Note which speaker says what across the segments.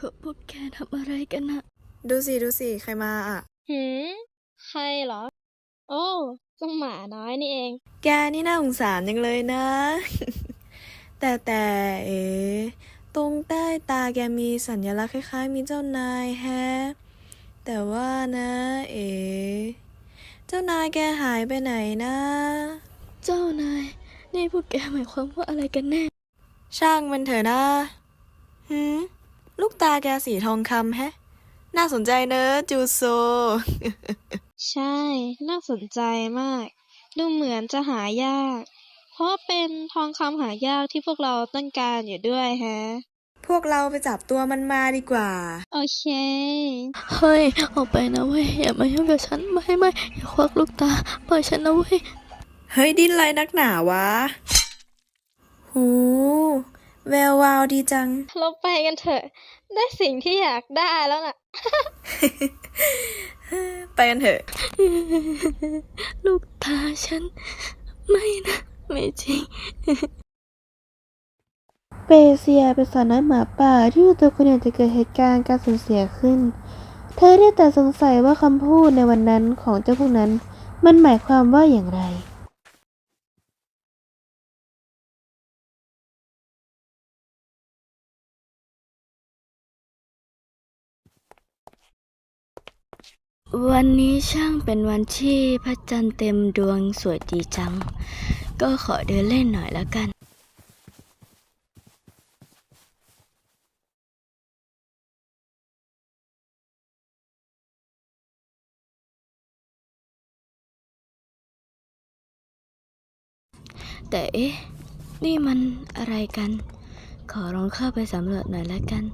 Speaker 1: พวกแกทำอะไรกันนะ
Speaker 2: ดูสิใครมาอ่ะ
Speaker 3: หืมใครเหรอ โอ้เจ้าหมาน้อยนี่เอง
Speaker 2: แกนี่น่าสงสารจังเลยนะ แต่เอ๋ตรงใต้ตาแกมีสัญลักษณ์คล้ายๆมีเจ้านายแฮะแต่ว่านะเอ๋เจ้านายแกหายไปไหนนะ
Speaker 1: เจ้านายนี่พวกแกหมายความว่าอะไรกันแน่
Speaker 2: ช่างมันเถอะนะลูกตาแกสีทองคำแฮะน่าสนใจเนอะจูโซ
Speaker 3: ใช่ น่าสนใจมาก ดูเหมือนจะหายาก เพราะเป็นทองคำหายากที่พวกเราต้องการอยู่ด้วยแฮะ
Speaker 2: พวกเราไปจับตัวมันมาดีกว่า
Speaker 3: โอเค
Speaker 1: เฮ้ยออกไปนะเว้ยอย่ามายุ่งกับฉันไม่อย่าควักลูกตาปล่อยฉันนะเว้ย
Speaker 2: เฮ้ยดิ้นไรนักหนาวะ หูแวววาวดีจัง
Speaker 3: เราไปกันเถอะ ได้สิ่งที่อยากได้แล้วน่ะ
Speaker 2: ไปกันเถอะ
Speaker 1: ลูกตาฉันไม่นะไม่จริง
Speaker 4: เปเซียเป็นสาวน้อยหมาป่าที่อยู่ตัวคนเดียวจะเกิดเหตุการณ์การสูญเสียขึ้น เธอได้แต่สงสัยว่าคำพูดในวันนั้นของเจ้าพวกนั้นมันหมายความว่าอย่างไร
Speaker 1: วันนี้ช่างเป็นวันที่พระจันทร์เต็มดวงสวยดีจังก็ขอเดินเล่นหน่อยแล้วกันแต่เอ๊ะนี่มันอะไรกันขอลองเข้าไปสำรวจหน่อยแล้วกัน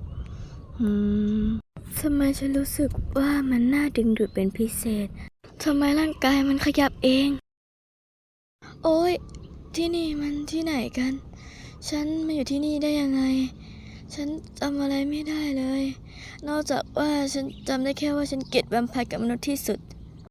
Speaker 1: ทำไมฉันรู้สึกว่ามันน่าดึงดูดเป็นพิเศษทำไมร่างกายมันขยับเองโอ๊ยที่นี่มันที่ไหนกันฉันมาอยู่ที่นี่ได้ยังไงฉันจำอะไรไม่ได้เลยนอกจากว่าฉันจำได้แค่ว่าฉันเกลียดแวมไพร์กับมนุษย์ที่สุด